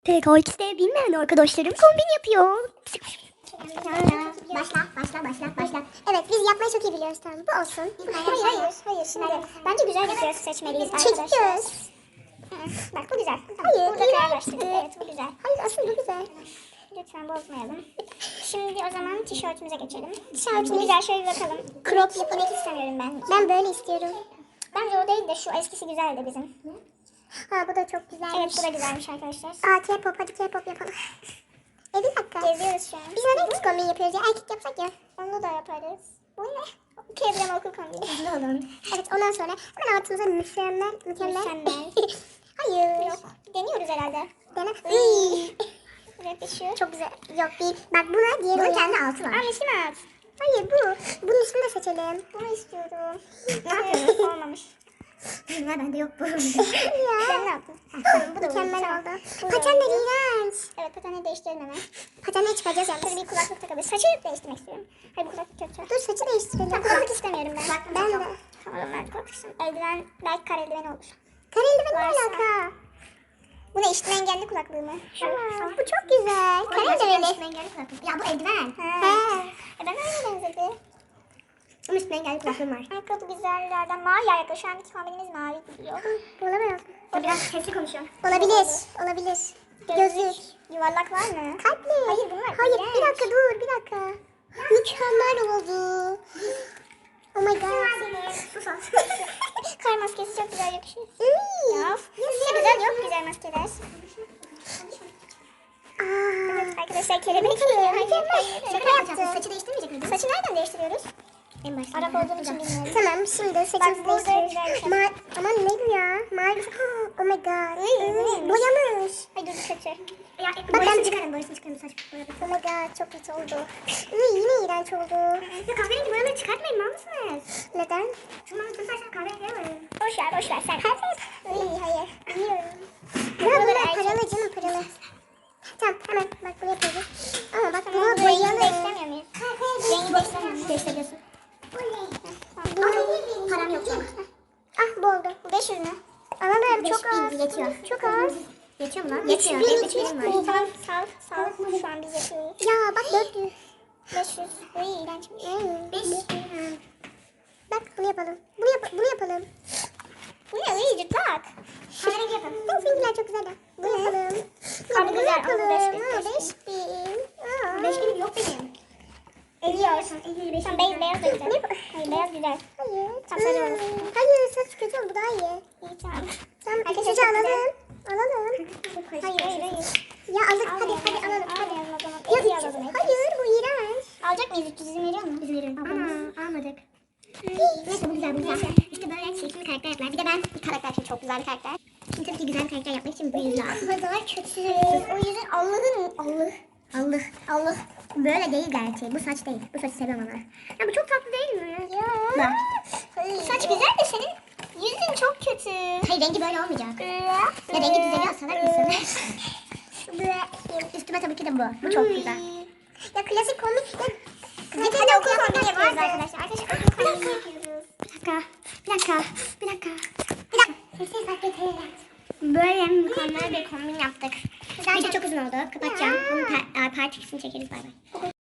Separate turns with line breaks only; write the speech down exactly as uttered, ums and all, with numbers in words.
T K X'de bilmeyen arkadaşlarım kombin yapıyor.
Başla, başla, başla, başla. Evet, biz yapmayı çok iyi biliyoruz, tamam. Bu olsun. Hayır, hayır, hayır. Şimdi bence güzel bir göz seçmeliyiz arkadaşlar. Çekik göz. Bak bu güzel. Hayır, burada kararlaştırdık. Evet, bu güzel. Hayır, aslında bu güzel. Lütfen bozmayalım. Şimdi o zaman tişörtümüze geçelim. Tişörtümüz güzel, şöyle bir bakalım. Crop inek istemiyorum ben. Ben böyle istiyorum. Bence o değil de şu eskisi güzeldi bizim. Ha, bu da çok güzelmiş. Evet, bu da güzelmiş arkadaşlar. Aa, K-pop, hadi K-pop yapalım. E bir dakika. Geziyoruz şu an. Biz neden kız kombin yapıyoruz ya? Erkek yapsak ya. Onu da yaparız. Bu ne? Kevram okul kombini. Hızlı olun. Evet, ondan sonra hemen altımıza mükemmel. Mükemmel. Mükemmel. Hayır. Yok. Deniyoruz herhalde. Dene. Yakışıyor. Çok güzel. Yok değil. Bak buna diğer bunun kendi altı var. Aa, ismi alt. Hayır bu. Bunun ismini de seçelim. Bunu istiyorum. Ne yapıyorsun? Olmamış. Ya bende yok bu. Ya. Sen ne yaptın? Tamam, bu da mükemmel oldu. Patenler iğrenç. Evet, patenleri değiştirelim hemen. Patenleri çıkaracağız yalnız. Şöyle bir kulaklık takabiliriz. Saçı değiştirmek istiyorum. Hayır, bu kulaklık kötü. Dur, saçı değiştirelim. Tamam, kulaklık istemiyorum ben. Bak, ben de. Tamam, ben kulaklık istemiyorum. Eldiven, belki kare eldiven olur. Kare eldiven ne alaka? Bu ne, işitme engelli kulaklığı mı? Şu. Aa, bu çok güzel. Kare eldiveni. İşitme engelli kulaklık. Ya bu eldiven. He. E ben öyle benzedi. Ama üstüne engelli kulaklığım var. Ayakkabı güzellerden mavi ayakkabı. Şu anki kombinimiz mavi gidiyor. Olamaz. O biraz sesli konuşuyor. Olabilir. Olabilir. Gözlük. Yuvarlak var mı? Kalpli. Hayır bunlar. Hayır iğrenç. Bir dakika dur bir dakika. Mükemmel oldu. Oh my god. Sus ol. Kar maskesi çok güzel yakışıyor. Ya. Size güzel yok güzel maskeler. Evet arkadaşlar kelebek mi? Hayır. Şaka yapacağız. Saçı değiştirmeyecek miyiz? Saçı nereden değiştiriyoruz? En başta. Arap olduğum için bilmiyorum. Tamam şimdi saçımızı değiştiriyoruz. Ma aman ne bu ya? Mavi. Oh my god. Boyamış. Ay dur kötü. Ya, boyasını çıkarın boyasını çıkarın saç boyadı. Oh my god çok kötü oldu. Iy, yine iğrenç oldu. Ya kahverengi boyaları çıkartmayın mal mısınız? Neden? Çünkü ben saçlarım kahverengi boyarım. Boş ver boş ver sen. Hayır. Hayır. Biliyorum. Ya bunlar paralı canım paralı. Tamam hemen bak buraya koyacağız. Ama bak bunu boyayalı. Rengi değiştiremiyor muyuz? Rengi değiştiremiyor. Değiştiriyorsun. Bu param yok canım. Ah bu oldu. Bu beş yüz mü? Alalım çok az. Yetiyor. Çok az. Yetiyor mu lan? Yetiyor. Benim üç birim var. Tamam sal sal. Şu an biz yapıyoruz. Ya bak dört yüz. beş yüz. Uy iğrençmiş. beş yüz. Bak bunu yapalım. Bunu, yap bunu yapalım. Bu ne? Uy cırtlak. Kahverengi yapalım. Bu filmler çok güzel. Bunu yapalım. Bunu güzel yapalım. beş bin. beş bin yok benim. Eliyor. Sen beyaz beyaz da güzel. Hayır beyaz güzel. Hayır. Tam sarı olur. Hayır saç kötü oldu daha iyi. İyi tamam. Tamam arkadaşlar alalım. Alalım. Hayır hayır hayır. Ya aldık hadi hadi alalım. Hadi alalım o zaman. Ya, alalım. Hayır bu iğrenç. Alacak mıyız? üç yüz izin veriyor mu? İzin veriyorum. Aa almadık. Neyse bu güzel bu güzel. İşte böyle çirkin bir karakter yaptılar. Bir de ben bir karakter için çok güzel bir karakter. Şimdi tabii ki güzel bir karakter yapmak için bu yüz lazım. Bu kadar kötü. O yüzden Allah'ın Allah. Allah. Allah. Böyle değil gerçeği. Bu saç değil. Bu saçı seviyorum ama. Ya bu çok tatlı değil mi? Ya. Bak. Saç güzel de senin yüzün çok kötü. Hayır rengi böyle olmayacak. Ya rengi düzeliyor salak mısın? Üstüme tabii ki de bu. Bu çok güzel. Ya klasik komik. Hadi hadi okul kombini yapıyoruz arkadaşlar. Arkadaşlar okul kombini yapıyoruz. Bir dakika. Bir dakika. Bir dakika. Bir dakika. Sessiz bak getirelim. Böyle mükemmel bir kombin yaptık. Video çok uzun oldu. Kapatacağım. Bunun part ikisini çekeriz. Bay bay.